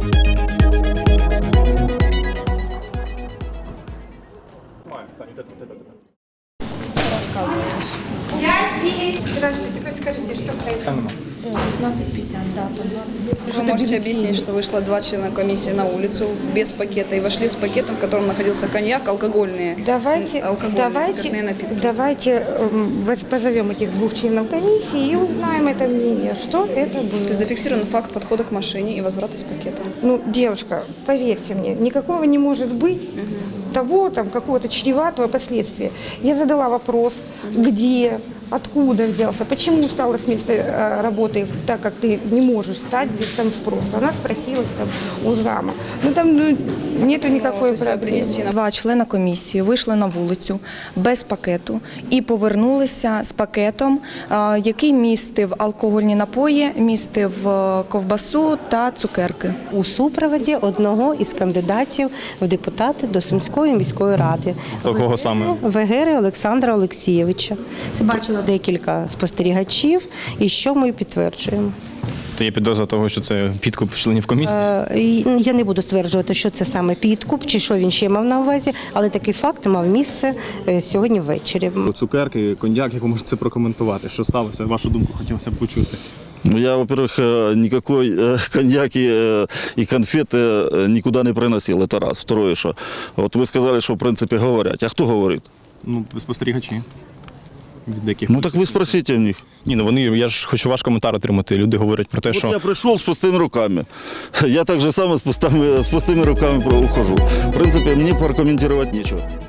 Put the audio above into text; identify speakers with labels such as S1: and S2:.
S1: Я здесь. Здравствуйте, подскажите, что происходит?
S2: 15:50, да, 15.
S3: Вы можете объяснить, что вышло 2 члена комиссии на улицу без пакета и вошли с пакетом, в котором находился коньяк, алкогольные спиртные напитки.
S1: Давайте позовем этих 2 членов комиссии и узнаем это мнение, что это было.
S3: То есть зафиксирован факт подхода к машине и возврата с пакетом.
S1: Ну, девушка, поверьте мне, никакого не может быть того, там, какого-то чреватого последствия. Я задала вопрос, где, откуда взялся, почему стало с места работы, так как ты не можешь встать без там спроса. Она спросилась там у зама. Ну, там нету никакой проблемы.
S2: 2 члена комісії вийшли на вулицю без пакету і повернулися з пакетом, який містив алкогольні напої, містив ковбасу та цукерки.
S4: У супроводі одного із кандидатів в депутати до Сумської міської ради.
S5: Кого саме?
S4: Вегери Олександра Олексійовича. Це бачило декілька спостерігачів, і що ми підтверджуємо.
S5: То є підозра того, що це підкуп членів комісії?
S4: Я не буду стверджувати, що це саме підкуп, чи що він ще мав на увазі, але такий факт мав місце сьогодні ввечері.
S5: Цукерки, коньяк, як ви можете це прокоментувати? Що сталося? Вашу думку хотілося б почути.
S6: Ну, я, во-первых, никакой коньяк и конфеты никуда не приносил, это раз. Второе, что вот вы сказали, что в принципе говорят. А кто говорит?
S5: Ну, спостерігачі. Від деяких.
S6: Ну так ви спросите у них.
S5: Ні, ну вони, я ж хочу ваш коментар отримати. Люди говорять про те,
S6: Вот
S5: що...
S6: я пришел с пустыми руками. Я так же само с пустыми руками ухожу. В принципе, мне прокомментировать нечего.